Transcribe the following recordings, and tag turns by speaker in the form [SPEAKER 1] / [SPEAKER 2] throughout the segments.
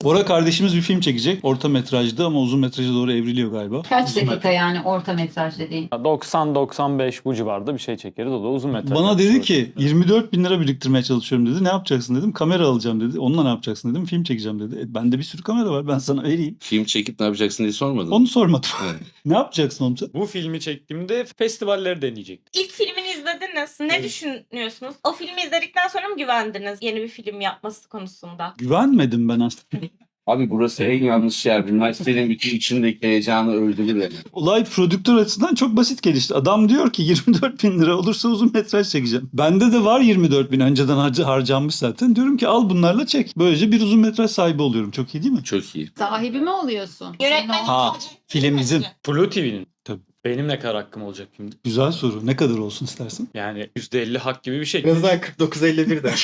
[SPEAKER 1] Bora kardeşimiz bir film çekecek. Orta metrajdı ama uzun metraja doğru evriliyor galiba.
[SPEAKER 2] Kaç dakika yani orta metraj dediğin?
[SPEAKER 3] 90-95 bu civarda bir şey çekeriz. O da uzun metraj.
[SPEAKER 1] Bana dedi
[SPEAKER 3] yapmış
[SPEAKER 1] ki 24 bin lira biriktirmeye çalışıyorum dedi. Ne yapacaksın dedim. Kamera alacağım dedi. Onunla ne yapacaksın dedim. Film çekeceğim dedi. Bende bir sürü kamera var, ben sana vereyim.
[SPEAKER 4] Film çekip ne yapacaksın diye sormadın.
[SPEAKER 1] Onu sormadım.
[SPEAKER 4] Evet.
[SPEAKER 1] Ne yapacaksın oğlum sen?
[SPEAKER 3] Bu filmi çektiğimde festivalleri deneyecektim.
[SPEAKER 5] İlk filmini izlediniz. Ne düşünüyorsunuz? O filmi izledikten sonra mı güvendiniz yeni bir film yapması konusunda?
[SPEAKER 1] Güvenmedim ben aslında.
[SPEAKER 4] Abi burası en yanlış yer. Üniversitenin bütün içindeki heyecanı öldürdü beni.
[SPEAKER 1] Olay prodüktör açısından çok basit gelişti. Adam diyor ki 24 bin lira olursa uzun metraj çekeceğim. Bende de var 24 bin, önceden harcanmış zaten. Diyorum ki al bunlarla çek. Böylece bir uzun metraj sahibi oluyorum. Çok iyi değil mi?
[SPEAKER 4] Çok iyi.
[SPEAKER 2] Sahibi mi oluyorsun?
[SPEAKER 5] Yönetmen
[SPEAKER 1] Ha, film bizim.
[SPEAKER 3] Blue TV'nin.
[SPEAKER 1] Tabii.
[SPEAKER 3] Benim ne kadar hakkım olacak filmde?
[SPEAKER 1] Güzel soru. Ne kadar olsun istersin?
[SPEAKER 3] Yani %50 hak gibi bir şey.
[SPEAKER 6] Birazdan 49-51 de.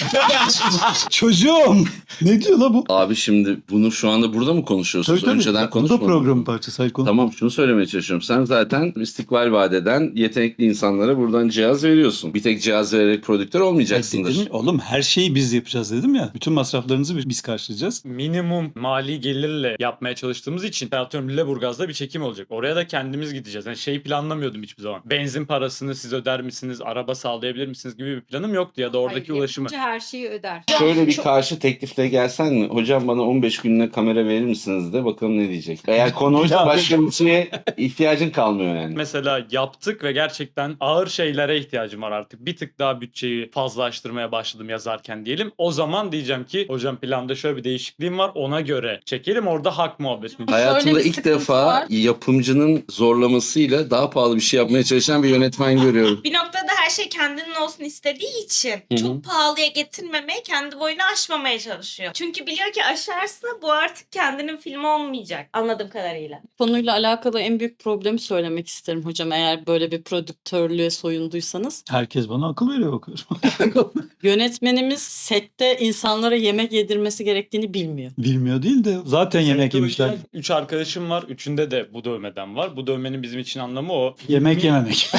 [SPEAKER 1] Çocuğum! Ne diyor la bu?
[SPEAKER 4] Abi şimdi bunu şu anda burada mı konuşuyorsunuz? Önceden
[SPEAKER 1] Bu da
[SPEAKER 4] konuşmadık.
[SPEAKER 1] programın parçası. Hayır,
[SPEAKER 4] Tamam, şunu söylemeye çalışıyorum. Sen zaten istikbal vadeden yetenekli insanlara buradan cihaz veriyorsun. Bir tek cihaz vererek prodüktör olmayacaksındır.
[SPEAKER 1] Dedim, oğlum her şeyi biz yapacağız dedim ya. Bütün masraflarınızı biz karşılayacağız.
[SPEAKER 3] Minimum mali gelirle yapmaya çalıştığımız için atıyorum Lüleburgaz'da bir çekim olacak. Oraya da kendimiz gideceğiz. Yani şeyi planlamıyordum hiçbir zaman. Benzin parasını siz öder misiniz? Araba sağlayabilir misiniz gibi bir planım yoktu ya da oradaki
[SPEAKER 2] Hayır,
[SPEAKER 3] ulaşımı.
[SPEAKER 2] yapımcı her şeyi öder.
[SPEAKER 4] Şöyle bir karşı teklifle gelsen mi? Hocam bana 15 gününe kamera verir misiniz de bakalım ne diyecek. Eğer konu oysa başka bir şeye ihtiyacın kalmıyor yani.
[SPEAKER 3] Mesela yaptık ve gerçekten ağır şeylere ihtiyacım var artık. Bir tık daha bütçeyi fazlalaştırmaya başladım yazarken diyelim. O zaman diyeceğim ki hocam planda şöyle bir değişikliğim var, ona göre çekelim, orada hak muhabbetini.
[SPEAKER 4] Hayatımda
[SPEAKER 2] bir
[SPEAKER 4] ilk
[SPEAKER 2] sıkıntı
[SPEAKER 4] defa
[SPEAKER 2] var.
[SPEAKER 4] yapımcının zorlamasıyla daha pahalı bir şey yapmaya çalışan bir yönetmen görüyorum.
[SPEAKER 5] Bir noktada her şey kendinin olsun istediği için
[SPEAKER 4] hı.
[SPEAKER 5] çok pahalıya getirmemeye, kendi boyunu aşmamaya çalışıyor. Çünkü biliyor ki aşarsa bu artık kendinin filmi olmayacak anladığım kadarıyla.
[SPEAKER 7] Konuyla alakalı en büyük problemi söylemek isterim hocam, eğer böyle bir prodüktörlüğe soyunduysanız.
[SPEAKER 1] Herkes bana akıl veriyor bakıyorum.
[SPEAKER 7] Yönetmenimiz sette insanlara yemek yedirmesi gerektiğini bilmiyor.
[SPEAKER 1] Bilmiyor değil de zaten yemek yemişler.
[SPEAKER 3] 3 arkadaşım var. Üçünde de bu dövmeden var. Bu dövmenin bizim için anlamı o.
[SPEAKER 1] Yemek yememek.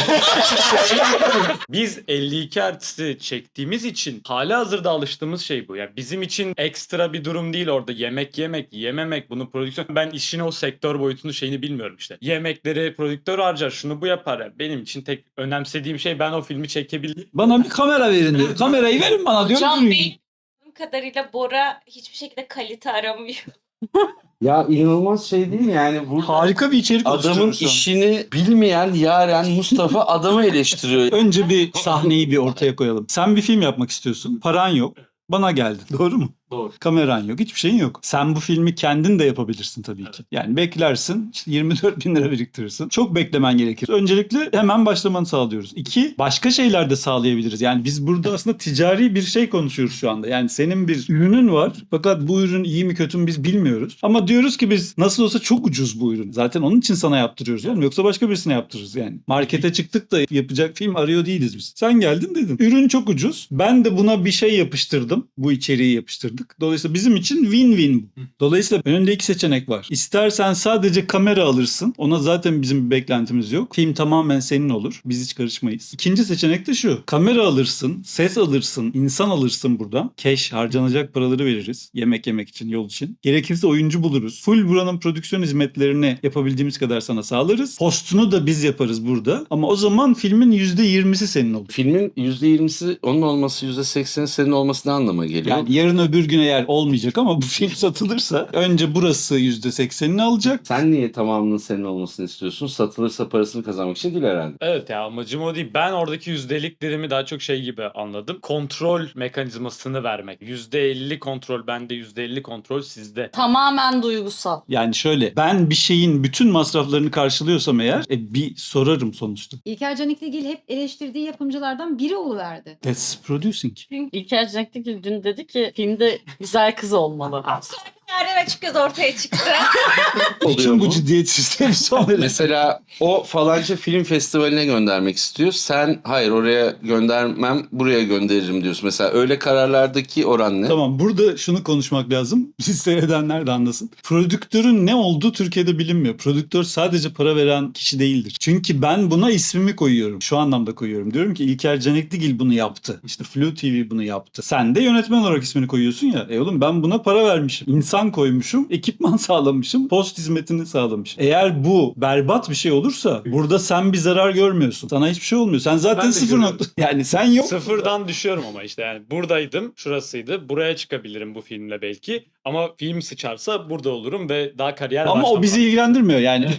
[SPEAKER 3] Biz 52 artisti çektiğimiz için halihazırda alıştığımız şey bu. Yani bizim için ekstra bir durum değil orada yemek yemek, yememek, bunu prodüksiyon. Ben işin o sektör boyutunu şeyini bilmiyorum işte. Yemekleri prodüktör harcar, şunu bu yapar. Yani benim için tek önemsediğim şey ben o filmi çekebildim.
[SPEAKER 1] Bana bir kamera verin diyor. Kamerayı verin bana diyor.
[SPEAKER 5] Hocam benim kadarıyla Bora hiçbir şekilde kalite aramıyor.
[SPEAKER 4] Ya inanılmaz şey değil mi yani? Burada
[SPEAKER 1] Harika bir içerik
[SPEAKER 4] adamın
[SPEAKER 1] oluşturuyoruz şu an.
[SPEAKER 4] işini bilmeyen Yaren Mustafa adamı eleştiriyor.
[SPEAKER 1] Önce bir sahneyi bir ortaya koyalım. Sen bir film yapmak istiyorsun. Paran yok. Bana geldin. Doğru mu?
[SPEAKER 3] Doğru.
[SPEAKER 1] Kameran yok. Hiçbir şeyin yok. Sen bu filmi kendin de yapabilirsin tabii ki. Yani beklersin. İşte 24 bin lira biriktirirsin. Çok beklemen gerekir. Öncelikle hemen başlamanı sağlıyoruz. 2. Başka şeyler de sağlayabiliriz. Yani biz burada aslında ticari bir şey konuşuyoruz şu anda. Yani senin bir ürünün var. Fakat bu ürün iyi mi kötü mü biz bilmiyoruz. Ama diyoruz ki biz nasıl olsa çok ucuz bu ürün. Zaten onun için sana yaptırıyoruz oğlum. Yoksa başka birisine yaptırırız yani. Markete çıktık da yapacak film arıyor değiliz biz. Sen geldin dedin. Ürün çok ucuz. Ben de buna bir şey yapıştırdım. Bu içeriği yapıştırdık. Dolayısıyla bizim için win-win bu. Dolayısıyla önünde iki seçenek var. İstersen sadece kamera alırsın. Ona zaten bizim bir beklentimiz yok. Film tamamen senin olur. Biz hiç karışmayız. İkinci seçenek de şu. Kamera alırsın, ses alırsın, insan alırsın buradan. Cash, harcanacak paraları veririz. Yemek yemek için, yol için. Gerekirse oyuncu buluruz. Full buranın prodüksiyon hizmetlerini yapabildiğimiz kadar sana sağlarız. Postunu da biz yaparız burada. Ama o zaman filmin %20'si senin olur.
[SPEAKER 4] Filmin %20'si onun olması, %80'i senin olması ne anlama geliyor?
[SPEAKER 1] Yani yarın öbür gün eğer olmayacak ama bu film satılırsa önce burası %80'ini alacak.
[SPEAKER 4] Sen niye tamamının senin olmasını istiyorsun? Satılırsa parasını kazanmak için değil herhalde.
[SPEAKER 3] Evet ya, amacım o değil. Ben oradaki yüzdeliklerimi daha çok şey gibi anladım. Kontrol mekanizmasını vermek. %50 kontrol bende, %50 kontrol sizde.
[SPEAKER 7] Tamamen duygusal.
[SPEAKER 1] Yani şöyle, ben bir şeyin bütün masraflarını karşılıyorsam eğer bir sorarım sonuçta.
[SPEAKER 2] İlker Canikligil hep eleştirdiği yapımcılardan biri oluverdi.
[SPEAKER 1] That's producing.
[SPEAKER 7] İlker Canikligil dün dedi ki filmde güzel kız olmalı.
[SPEAKER 5] Yaren açık göz ortaya çıktı.
[SPEAKER 4] Oluyor
[SPEAKER 1] Bütün bu
[SPEAKER 4] mu?
[SPEAKER 1] ciddiyet sistemi sonra.
[SPEAKER 4] Mesela o falanca film festivaline göndermek istiyor. Sen hayır oraya göndermem, buraya gönderirim diyorsun. Mesela öyle kararlardaki oran ne?
[SPEAKER 1] Tamam, burada şunu konuşmak lazım. Siz seyredenler de anlasın. Prodüktörün ne olduğu Türkiye'de bilinmiyor. Prodüktör sadece para veren kişi değildir. Çünkü ben buna ismimi koyuyorum. Şu anlamda koyuyorum. Diyorum ki İlker Canikligil bunu yaptı. İşte Flu TV bunu yaptı. Sen de yönetmen olarak ismini koyuyorsun ya. Oğlum ben buna para vermişim. İnsan insan koymuşum, ekipman sağlamışım, post hizmetini sağlamışım. Eğer bu berbat bir şey olursa burada sen bir zarar görmüyorsun. Sana hiçbir şey olmuyor. Sen zaten
[SPEAKER 3] Ben de
[SPEAKER 1] sıfır
[SPEAKER 3] görüyorum.
[SPEAKER 1] nokta. Yani sen yok.
[SPEAKER 3] Sıfırdan düşüyorum ama işte yani buradaydım, şurasıydı. Buraya çıkabilirim bu filmle belki. Ama film sıçarsa burada olurum ve daha kariyer
[SPEAKER 1] Ama o
[SPEAKER 3] başlamaz.
[SPEAKER 1] bizi ilgilendirmiyor yani.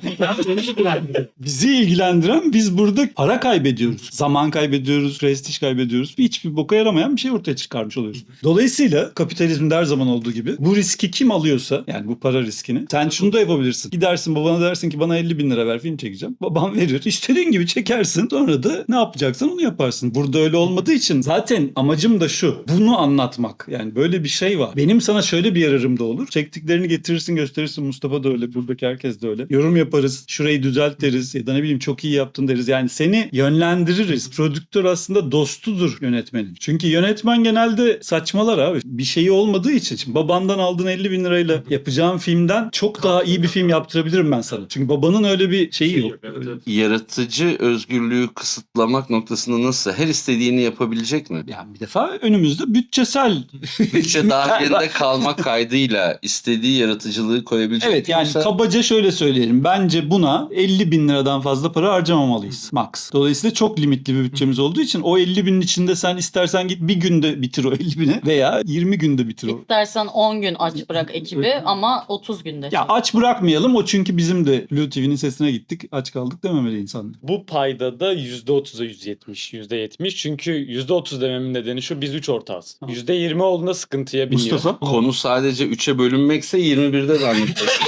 [SPEAKER 1] Bizi ilgilendiren biz burada para kaybediyoruz. Zaman kaybediyoruz, prestij kaybediyoruz. Hiçbir boka yaramayan bir şey ortaya çıkarmış oluyoruz. Dolayısıyla kapitalizmde her zaman olduğu gibi bu riski kim alıyorsa yani bu para riskini sen şunu da yapabilirsin. Gidersin babana dersin ki bana 50 bin lira ver film çekeceğim. Babam verir. İstediğin gibi çekersin. Sonra da ne yapacaksan onu yaparsın. Burada öyle olmadığı için zaten amacım da şu. Bunu anlatmak. Yani böyle bir şey var. Benim sana şöyle bir yararım da olur. Çektiklerini getirirsin gösterirsin. Mustafa da öyle. Buradaki herkes de öyle. Yorum yaparız. Şurayı düzelt deriz. Ya da ne bileyim çok iyi yaptın deriz. Yani seni yönlendiririz. Prodüktör aslında dostudur yönetmenin. Çünkü yönetmen genelde saçmalar abi. Bir şeyi olmadığı için. Şimdi babandan aldığın 50 bin lirayla yapacağım filmden çok daha iyi bir film yaptırabilirim ben sana. Çünkü babanın öyle bir şeyi yok.
[SPEAKER 4] Yaratıcı özgürlüğü kısıtlamak noktasında nasıl? Her istediğini yapabilecek mi?
[SPEAKER 1] Yani bir defa önümüzde bütçesel
[SPEAKER 4] Bütçe dahilinde kalmak kaydıyla istediği yaratıcılığı koyabilecek
[SPEAKER 1] Evet yani
[SPEAKER 4] Yoksa-
[SPEAKER 1] kabaca şöyle söyleyelim. Bence buna 50 bin liradan fazla para harcamamalıyız. Max. Dolayısıyla çok limitli bir bütçemiz olduğu için o 50 binin içinde sen istersen git bir günde bitir o 50 bini veya 20 günde bitir o.
[SPEAKER 7] İstersen 10 gün aç bırak ekibi ama 30 günde.
[SPEAKER 1] Ya aç bırakmayalım o çünkü bizim de Blue TV'nin sesine gittik. Aç kaldık dememeli insanlar.
[SPEAKER 3] Bu payda da %30'a %70. Çünkü %30 dememin nedeni şu, biz 3 ortağız.
[SPEAKER 1] Tamam.
[SPEAKER 3] %20 olduğunda sıkıntıya biniyor.
[SPEAKER 1] Mustafa?
[SPEAKER 4] Konu sadece 3'e bölünmekse 21'de zannediyorsun.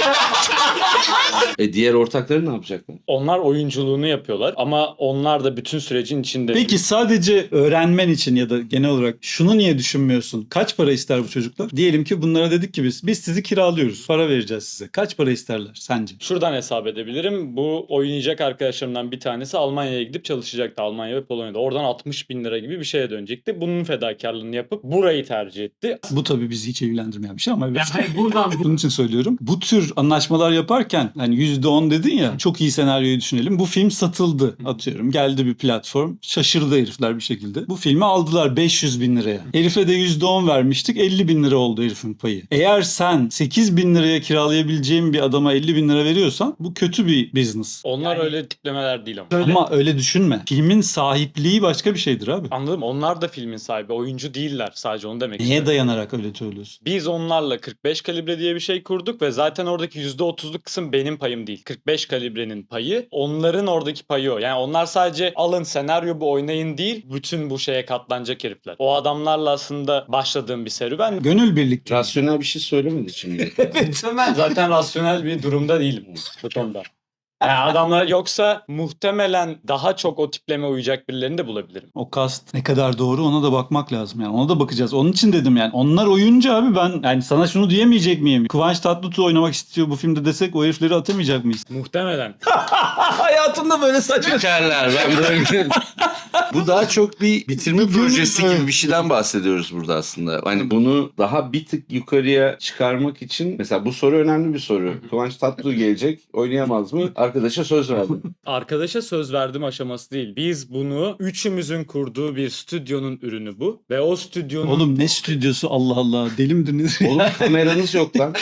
[SPEAKER 4] Diğer ortakları ne yapacaklar?
[SPEAKER 3] Onlar oyunculuğunu yapıyorlar ama onlar da bütün sürecin içinde.
[SPEAKER 1] Peki sadece öğrenmen için ya da genel olarak şunu niye düşünmüyorsun? Kaç para ister bu çocuklar? Diyelim ki bunlara dedik ki biz sizi kiralıyoruz. Para vereceğiz size. Kaç para isterler sence?
[SPEAKER 3] Şuradan hesap edebilirim. Bu oynayacak arkadaşlarımdan bir tanesi Almanya'ya gidip çalışacaktı. Almanya ve Polonya'da. Oradan 60 bin lira gibi bir şeye dönecekti. Bunun fedakarlığını yapıp burayı tercih etti.
[SPEAKER 1] Bu tabii bizi hiç ilgilendirmeyen bir şey ama
[SPEAKER 3] Buradan
[SPEAKER 1] bunun için söylüyorum. Bu tür anlaşmalar yaparken hani %10 dedin ya çok iyi senaryoyu düşünelim. Bu film satıldı atıyorum. Geldi bir platform. Şaşırdı herifler bir şekilde. Bu filmi aldılar 500 bin liraya. Herife de %10 vermiştik. 50 bin lira oldu herifin payı. Eğer sen 8 bin liraya kiralayabileceğin bir adama 50 bin lira veriyorsan bu kötü bir business.
[SPEAKER 3] onlar öyle tiplemeler değil ama.
[SPEAKER 1] Ama öyle düşünme. Filmin sahipliği başka bir şeydir abi.
[SPEAKER 3] Anladım. Onlar da filmin sahibi. Oyuncu değiller. Sadece onu demek
[SPEAKER 1] Neye
[SPEAKER 3] istiyorum.
[SPEAKER 1] dayanarak öyle söylüyorsun?
[SPEAKER 3] Biz onlarla 45 kalibre diye bir şey kurduk ve zaten oradaki %30'luk kısım benim payım değil. 45 kalibrenin payı, onların oradaki payı o. Yani onlar sadece alın senaryo bu oynayın değil, bütün bu şeye katlanacak herifler. O adamlarla aslında başladığım bir serüven.
[SPEAKER 1] Gönül birlikte.
[SPEAKER 4] Rasyonel bir şey söylemedi şimdi.
[SPEAKER 3] Ben zaten rasyonel bir durumda değilim bu konuda. Yani adamlar yoksa muhtemelen daha çok o tipleme uyacak birilerini de bulabilirim.
[SPEAKER 1] O kast ne kadar doğru ona da bakmak lazım yani. Ona da bakacağız. Onun için dedim yani. Onlar oyuncu abi ben yani sana şunu diyemeyecek miyim? Kıvanç Tatlıtuğ oynamak istiyor bu filmde desek o herifleri atamayacak mıyız?
[SPEAKER 3] Muhtemelen.
[SPEAKER 1] Hayatımda böyle saçma.
[SPEAKER 4] Şekerler ben böyle... Bu daha çok bir bitirme projesi gibi bir şeyden bahsediyoruz burada aslında. Hani bunu daha bir tık yukarıya çıkarmak için mesela bu soru önemli bir soru. Kıvanç Tatlıtuğ gelecek oynayamaz mı? Arkadaşa söz verdim.
[SPEAKER 3] Arkadaşa söz verdim aşaması değil. Biz bunu üçümüzün kurduğu bir stüdyonun ürünü bu. Ve o stüdyonun...
[SPEAKER 1] Oğlum ne stüdyosu Allah Allah deli midir nedir?
[SPEAKER 4] Oğlum kameranız yok lan.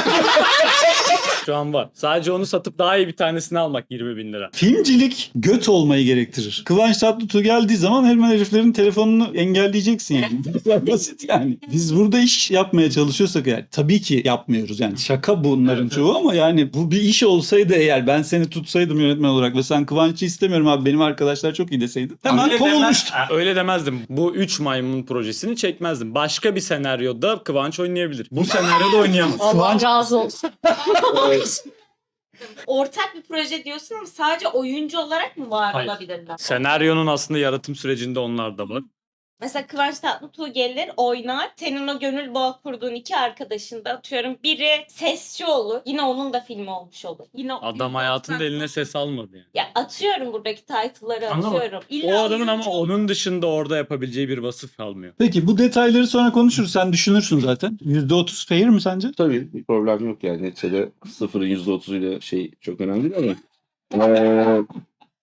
[SPEAKER 3] Şu an var. Sadece onu satıp daha iyi bir tanesini almak 20 bin lira.
[SPEAKER 1] Filmcilik göt olmayı gerektirir. Kıvanç Tatlıtuğ geldiği zaman hemen heriflerin telefonunu engelleyeceksin yani. Bu kadar basit yani. Biz burada iş yapmaya çalışıyorsak yani tabii ki yapmıyoruz yani. Şaka bunların çoğu ama yani bu bir iş olsaydı eğer ben seni tutsaydım yönetmen olarak ve sen Kıvanç'ı istemiyorum abi benim arkadaşlar çok iyi deseydin. Hemen kovulmuştu.
[SPEAKER 3] Öyle demezdim. Bu 3 maymun projesini çekmezdim. Başka bir senaryoda Kıvanç oynayabilir. Bu senaryoda oynayamaz.
[SPEAKER 7] Allah
[SPEAKER 1] Kıvanç-
[SPEAKER 7] razı olsun.
[SPEAKER 5] Ortak bir proje diyorsun ama sadece oyuncu olarak mı var
[SPEAKER 3] Hayır.
[SPEAKER 5] olabilirler?
[SPEAKER 3] Senaryonun aslında yaratım sürecinde onlar da var.
[SPEAKER 5] Mesela Kıvanç Tatlıtuğ gelir oynar. Senin o gönül bağı kurduğun iki arkadaşın da atıyorum biri sesçi olur. Yine onun da filmi olmuş olur. Yine
[SPEAKER 3] Adam hayatında eline ses almadı yani.
[SPEAKER 5] Ya atıyorum buradaki title'ları
[SPEAKER 3] Anlamadım.
[SPEAKER 5] atıyorum.
[SPEAKER 3] O
[SPEAKER 5] İlla
[SPEAKER 3] adamın ama
[SPEAKER 5] oyuncu-
[SPEAKER 3] onun dışında orada yapabileceği bir vasıf kalmıyor.
[SPEAKER 1] Peki bu detayları sonra konuşuruz. Sen düşünürsün zaten. %30 fair mi sence?
[SPEAKER 4] Tabii bir problem yok yani. Neticede sıfırın %30'uyla şey çok önemli değil ama.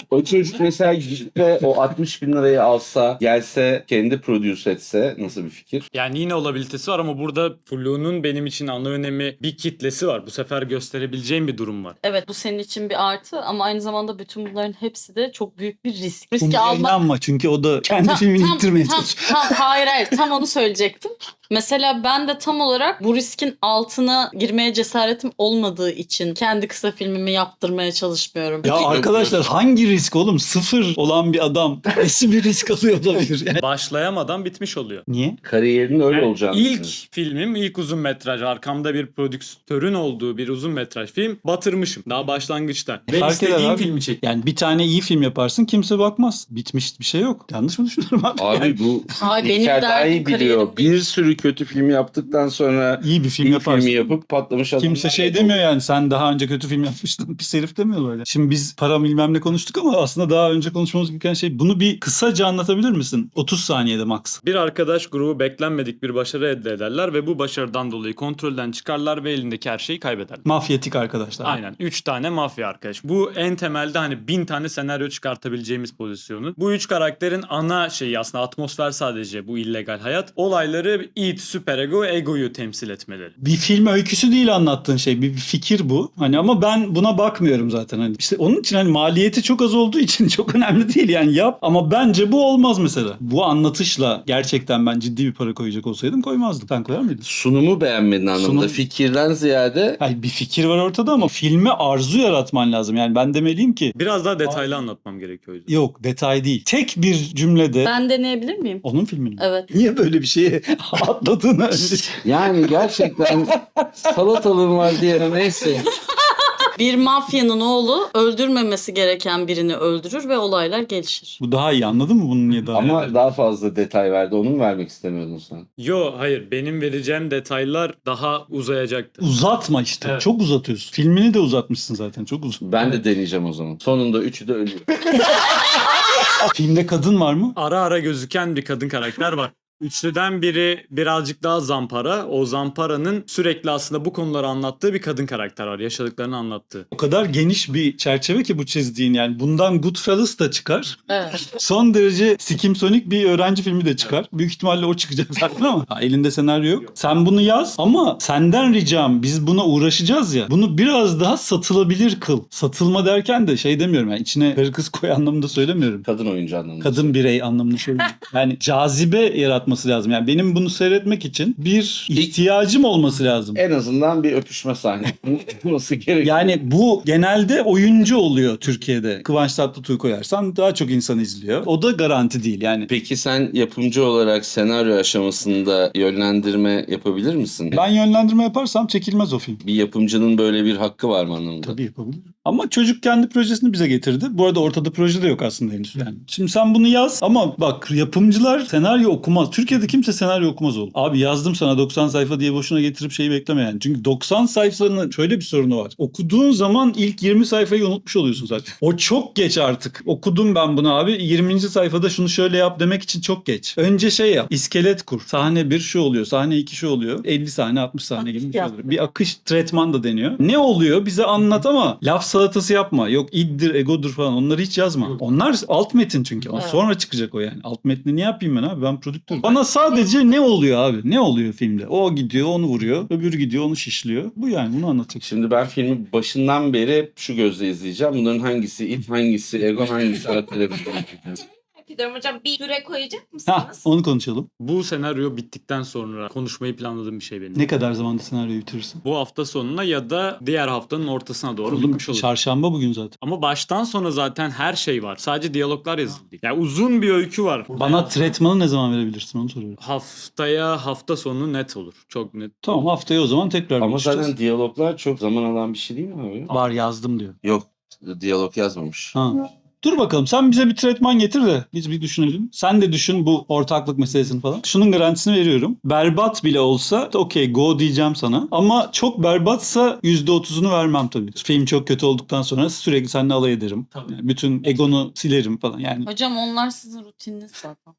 [SPEAKER 4] O çocuk mesela gidip o 60 bin lirayı alsa, gelse, kendi produce etse nasıl bir fikir?
[SPEAKER 3] Yani yine olabilitesi var ama burada Flu'nun benim için ana önemi bir kitlesi var. Bu sefer gösterebileceğim bir durum var.
[SPEAKER 7] Evet, bu senin için bir artı ama aynı zamanda bütün bunların hepsi de çok büyük bir risk.
[SPEAKER 1] Bunu
[SPEAKER 7] Riski almak...
[SPEAKER 1] inanma çünkü o da kendi filmini ittirmeye çalışıyor.
[SPEAKER 7] Hayır tam onu söyleyecektim. Mesela ben de tam olarak bu riskin altına girmeye cesaretim olmadığı için kendi kısa filmimi yaptırmaya çalışmıyorum.
[SPEAKER 1] Ya arkadaşlar hangi risk oğlum? Sıfır olan bir adam nasıl bir risk alıyor olabilir? Yani.
[SPEAKER 3] Başlayamadan bitmiş oluyor.
[SPEAKER 1] Niye?
[SPEAKER 4] Kariyerinin öyle
[SPEAKER 3] Yani
[SPEAKER 4] olacağını
[SPEAKER 3] İlk
[SPEAKER 4] düşünüyorum.
[SPEAKER 3] filmim, ilk uzun metraj. Arkamda bir prodüktörün olduğu bir uzun metraj film. Batırmışım. Daha başlangıçta. Ve
[SPEAKER 1] Fark eder
[SPEAKER 3] istediğim
[SPEAKER 1] abi.
[SPEAKER 3] filmi çektim.
[SPEAKER 1] Yani bir tane iyi film yaparsın kimse bakmaz. Bitmiş bir şey yok. Yanlış mı düşünüyorum abi?
[SPEAKER 4] Abi bu
[SPEAKER 7] Ay, benim
[SPEAKER 4] İlker daha iyi
[SPEAKER 7] derdim
[SPEAKER 4] biliyor.
[SPEAKER 7] kariyerim değil.
[SPEAKER 4] Bir sürü kötü film yaptıktan sonra
[SPEAKER 1] İyi bir film
[SPEAKER 4] iyi
[SPEAKER 1] yaparsın.
[SPEAKER 4] filmi yapıp patlamış adamlar.
[SPEAKER 1] Kimse şey demiyor yani sen daha önce kötü film yapmıştın pis herif demiyor böyle. Şimdi biz para bilmem ne konuştuk ama aslında daha önce konuşmamız gereken şey bunu bir kısaca anlatabilir misin? 30 saniyede max.
[SPEAKER 3] Bir arkadaş grubu beklenmedik bir başarı elde ederler ve bu başarıdan dolayı kontrolden çıkarlar ve elindeki her şeyi kaybederler.
[SPEAKER 1] Mafyatik arkadaşlar.
[SPEAKER 3] Aynen. 3 tane mafya arkadaş. Bu en temelde hani 1000 tane senaryo çıkartabileceğimiz pozisyonu. Bu 3 karakterin ana şeyi aslında atmosfer sadece bu illegal hayat. Olayları id, süperego, egoyu temsil etmeleri.
[SPEAKER 1] Bir film öyküsü değil anlattığın şey. Bir fikir bu. Hani ama ben buna bakmıyorum zaten. Hani işte onun için hani maliyeti çok az olduğu için çok önemli değil yani yap. Ama bence bu olmaz mesela. Bu anlatışla gerçekten ben ciddi bir para koyacak olsaydım koymazdım. Sen koyar mıydın?
[SPEAKER 4] Sunumu beğenmedin anlamında.
[SPEAKER 1] Sunum-
[SPEAKER 4] Fikirden ziyade
[SPEAKER 1] Hayır bir fikir var ortada ama filme arzu yaratman lazım. Yani ben demeliyim ki
[SPEAKER 3] Biraz daha detaylı anlatmam gerekiyor o yüzden.
[SPEAKER 1] yok detay değil. Tek bir cümlede
[SPEAKER 7] Ben deneyebilir miyim?
[SPEAKER 1] onun filmini.
[SPEAKER 7] Evet.
[SPEAKER 1] Niye böyle bir şeye atladığını önce...
[SPEAKER 4] yani gerçekten salatalığım var diye neyse.
[SPEAKER 7] Bir mafyanın oğlu öldürmemesi gereken birini öldürür ve olaylar gelişir.
[SPEAKER 1] Bu daha iyi anladın mı bunun niye daha iyi?
[SPEAKER 4] Ama daha fazla detay verdi. Onu mu vermek istemiyordun sen?
[SPEAKER 3] Yo hayır benim vereceğim detaylar daha uzayacaktır.
[SPEAKER 1] Uzatma işte.
[SPEAKER 3] Evet.
[SPEAKER 1] Çok uzatıyorsun. Filmini de uzatmışsın zaten. Çok uzun.
[SPEAKER 4] Ben de deneyeceğim o zaman. Sonunda üçü de ölüyor.
[SPEAKER 1] Filmde kadın var mı?
[SPEAKER 3] Ara ara gözüken bir kadın karakter var. Üçlüden biri birazcık daha zampara. O zamparanın sürekli aslında bu konuları anlattığı bir kadın karakter var. Yaşadıklarını anlattığı.
[SPEAKER 1] O kadar geniş bir çerçeve ki bu çizdiğin yani. Bundan Goodfellas da çıkar.
[SPEAKER 7] Evet.
[SPEAKER 1] Son derece Skimsonic bir öğrenci filmi de çıkar. Büyük ihtimalle o çıkacak zaten ama elinde senaryo yok. Sen bunu yaz ama senden ricam biz buna uğraşacağız ya. Bunu biraz daha satılabilir kıl. Satılma derken de şey demiyorum yani içine karı kız koy anlamında söylemiyorum.
[SPEAKER 4] Kadın oyuncu anlamında.
[SPEAKER 1] Kadın birey anlamında söylüyorum. Yani cazibe yaratması lazım. Yani benim bunu seyretmek için bir ihtiyacım olması lazım.
[SPEAKER 4] En azından bir öpüşme sahnesi olması gerekiyor.
[SPEAKER 1] Yani bu genelde oyuncu oluyor Türkiye'de. Kıvanç Tatlıtuğ'u koyarsan daha çok insan izliyor. O da garanti değil yani.
[SPEAKER 4] Peki sen yapımcı olarak senaryo aşamasında yönlendirme yapabilir misin?
[SPEAKER 1] Ben yönlendirme yaparsam çekilmez o film.
[SPEAKER 4] Bir yapımcının böyle bir hakkı var mı anlamında?
[SPEAKER 1] Tabii yapabilirim. Ama çocuk kendi projesini bize getirdi. Bu arada ortada proje de yok aslında henüz. Yani. Şimdi sen bunu yaz ama bak yapımcılar senaryo okumaz. Türkiye'de kimse senaryo okumaz oğlum. Abi yazdım sana 90 sayfa diye boşuna getirip şeyi bekleme yani. Çünkü 90 sayfanın şöyle bir sorunu var. Okuduğun zaman ilk 20 sayfayı unutmuş oluyorsun zaten. O çok geç artık. Okudum ben bunu abi. 20. sayfada şunu şöyle yap demek için çok geç. Önce şey yap. İskelet kur. Sahne 1 şu oluyor. Sahne 2 şu oluyor. 50 sahne 60 sahne gibi bir şey oluyor. Bir akış tretman da deniyor. Ne oluyor bize anlat ama laf salatası yapma. Yok iddir, egodur falan onları hiç yazma. Onlar alt metin çünkü.
[SPEAKER 7] Evet.
[SPEAKER 1] Sonra çıkacak o yani. Alt metni ne yapayım ben abi? Ben prodüktörüm. Bana sadece ne oluyor abi? Ne oluyor filmde? O gidiyor onu vuruyor. Öbürü gidiyor onu şişliyor. Bu yani bunu anlatacak.
[SPEAKER 4] Şimdi ben filmi başından beri hep şu gözle izleyeceğim. Bunların hangisi it, hangisi ego, hangisi atlet.
[SPEAKER 5] Gidiyorum hocam, bir süre koyacak
[SPEAKER 1] Ha,
[SPEAKER 5] mısınız?
[SPEAKER 1] onu konuşalım.
[SPEAKER 3] Bu senaryo bittikten sonra konuşmayı planladığım bir şey benim.
[SPEAKER 1] Ne kadar zamanda senaryoyu bitirirsin?
[SPEAKER 3] Bu hafta sonuna ya da diğer haftanın ortasına doğru
[SPEAKER 1] Oğlum,
[SPEAKER 3] bitmiş olur.
[SPEAKER 1] çarşamba bugün zaten.
[SPEAKER 3] Ama baştan sona zaten her şey var. Sadece diyaloglar yazıldı. Yani uzun bir öykü var.
[SPEAKER 1] Bana tretmanı ne zaman verebilirsin onu soruyorum.
[SPEAKER 3] Haftaya hafta sonu net olur. Çok net.
[SPEAKER 1] Tamam haftaya o zaman tekrar
[SPEAKER 4] Ama
[SPEAKER 1] konuşacağız.
[SPEAKER 4] zaten diyaloglar çok zaman alan bir şey değil mi abi?
[SPEAKER 1] Var yazdım diyor.
[SPEAKER 4] Yok, diyalog yazmamış.
[SPEAKER 1] Ha. Dur bakalım sen bize bir tretman getir de biz bir düşünelim. Sen de düşün bu ortaklık meselesini falan. Şunun garantisini veriyorum. Berbat bile olsa okey go diyeceğim sana. Ama çok berbatsa %30'unu vermem tabii. Film çok kötü olduktan sonra sürekli seninle alay ederim.
[SPEAKER 3] Tabii.
[SPEAKER 1] Yani bütün egonu silerim falan yani.
[SPEAKER 7] Hocam onlar sizin rutininiz zaten.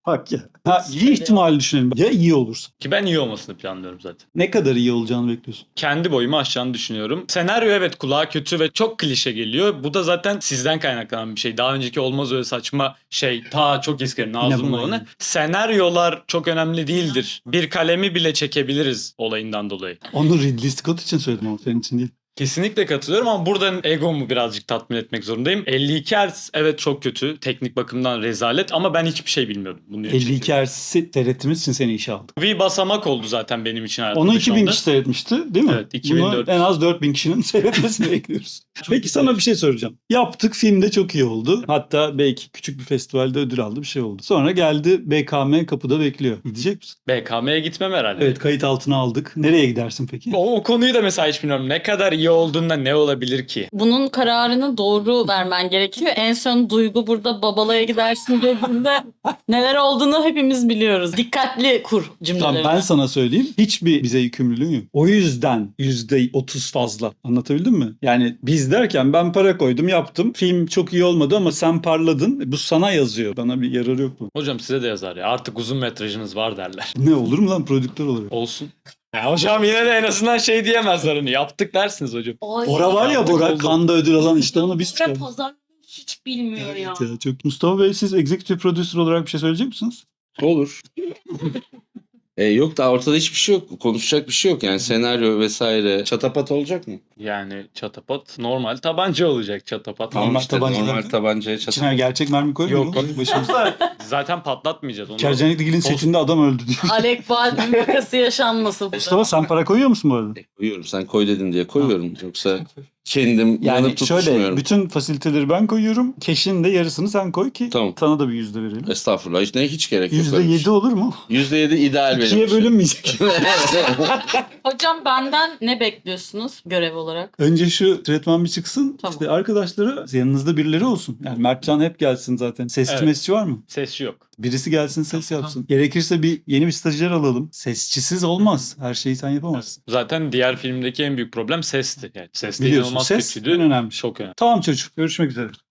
[SPEAKER 1] Bak ya. Ha, iyi ihtimali düşünelim. Ya iyi olursa.
[SPEAKER 3] Ki ben iyi olmasını planlıyorum zaten.
[SPEAKER 1] Ne kadar iyi olacağını bekliyorsun.
[SPEAKER 3] Kendi boyumu aşacağını düşünüyorum. Senaryo evet kulağa kötü ve çok klişe geliyor. Bu da zaten sizden kaynaklanan bir şey. Daha önceki olmaz öyle saçma şey. Ta çok eski Nazım
[SPEAKER 1] buna
[SPEAKER 3] olanı.
[SPEAKER 1] yani.
[SPEAKER 3] Senaryolar çok önemli değildir. Bir kalemi bile çekebiliriz olayından dolayı.
[SPEAKER 1] Onu Ridley Scott için söyledim ama senin için değil.
[SPEAKER 3] Kesinlikle katılıyorum ama buradan egomu birazcık tatmin etmek zorundayım. 52 Hz evet çok kötü. Teknik bakımdan rezalet ama ben hiçbir şey bilmiyordum. Bunu
[SPEAKER 1] 52 Hz'i seyrettiğimiz için seni işe aldık.
[SPEAKER 3] Bir basamak oldu zaten benim için hayatımda
[SPEAKER 1] Onu
[SPEAKER 3] şu
[SPEAKER 1] 2000
[SPEAKER 3] anda.
[SPEAKER 1] kişi seyretmişti değil mi?
[SPEAKER 3] Evet, 2004.
[SPEAKER 1] Bunu en az 4000 kişinin seyretmesini bekliyoruz. Peki sana bir şey soracağım. Yaptık, film de çok iyi oldu. Hatta belki küçük bir festivalde ödül aldı, bir şey oldu. Sonra geldi BKM kapıda bekliyor. Gidecek misin?
[SPEAKER 3] BKM'ye gitmem herhalde.
[SPEAKER 1] Evet, kayıt altına aldık. Nereye gidersin peki?
[SPEAKER 3] O konuyu da mesela hiç bilmiyorum. Ne kadar iyi olduğunda ne olabilir ki?
[SPEAKER 7] Bunun kararını doğru vermen gerekiyor. En son Duygu burada babalaya gidersin dediğinde neler olduğunu hepimiz biliyoruz. Dikkatli kur cümlelerini.
[SPEAKER 1] Tamam, ben sana söyleyeyim. Hiçbir bize yükümlülüğün yok. O yüzden %30 fazla. Anlatabildim mi? Yani biz derken ben para koydum, yaptım. Film çok iyi olmadı ama sen parladın. Bu sana yazıyor. Bana bir yararı yok mu?
[SPEAKER 3] Hocam size de yazar ya. Artık uzun metrajınız var derler.
[SPEAKER 1] Ne olur mu lan prodüktör olarak?
[SPEAKER 3] Olsun. Ya hocam yine de en azından şey diyemezler hani. Yaptık dersiniz hocam.
[SPEAKER 5] Ay,
[SPEAKER 1] Bora var ya, Bora
[SPEAKER 3] Oldu.
[SPEAKER 1] Kanda ödül alan, işte onu biz
[SPEAKER 5] Bora
[SPEAKER 1] çıkardık.
[SPEAKER 5] pazarlamayı hiç bilmiyor ya.
[SPEAKER 1] Evet ya, çok. Mustafa Bey, siz executive producer olarak bir şey söyleyecek misiniz?
[SPEAKER 4] Olur. Yok da ortada hiçbir şey yok. Konuşacak bir şey yok. Yani senaryo vesaire. Çatapat olacak mı?
[SPEAKER 3] Yani çatapat normal tabanca olacak çatapat.
[SPEAKER 1] Tamam.
[SPEAKER 4] Tamam
[SPEAKER 1] Normal
[SPEAKER 4] işte
[SPEAKER 1] tabancadan-
[SPEAKER 4] normal tabancaya çatapat.
[SPEAKER 1] İçine gerçek mermi koymuyor
[SPEAKER 3] Yok,
[SPEAKER 1] mu? Başımıza.
[SPEAKER 3] Zaten patlatmayacağız onu.
[SPEAKER 1] Kercanikligil'in setinde adam öldü diyor.
[SPEAKER 7] Alek Baldwin vakası yaşanmasın.
[SPEAKER 1] Mustafa, sen para koyuyor musun bu arada?
[SPEAKER 4] Koyuyorum. Sen koy dedin diye koyuyorum. Yoksa kendim
[SPEAKER 1] Yani
[SPEAKER 4] yanıp
[SPEAKER 1] şöyle,
[SPEAKER 4] tutuşmuyorum.
[SPEAKER 1] bütün fasiliteleri ben koyuyorum. Cash'in de yarısını sen koy ki
[SPEAKER 4] Tamam.
[SPEAKER 1] sana da bir %1 verelim.
[SPEAKER 4] Estağfurullah. Hiç gerek yok. öyle bir
[SPEAKER 1] %7 olur mu?
[SPEAKER 4] şey. %7 ideal benim
[SPEAKER 1] İkiye
[SPEAKER 4] için.
[SPEAKER 1] bölünmeyecek.
[SPEAKER 7] Hocam benden ne bekliyorsunuz görev olarak?
[SPEAKER 1] Önce şu tretman bir çıksın.
[SPEAKER 7] Tamam.
[SPEAKER 1] İşte arkadaşları, yanınızda birileri olsun. Yani Mertcan hep gelsin zaten. Sesçi
[SPEAKER 3] Evet.
[SPEAKER 1] mesçi var mı?
[SPEAKER 3] Sesçi yok.
[SPEAKER 1] Birisi gelsin, ses yapsın. Gerekirse yeni bir stajyer alalım. Sesçisiz olmaz. Her şeyi sen yapamazsın.
[SPEAKER 3] Zaten diğer filmdeki en büyük problem sesti. Yani ses de
[SPEAKER 1] Biliyorsun,
[SPEAKER 3] inanılmaz
[SPEAKER 1] ses
[SPEAKER 3] kötüydü.
[SPEAKER 1] en önemli.
[SPEAKER 3] Çok önemli.
[SPEAKER 1] Tamam çocuk, görüşmek üzere.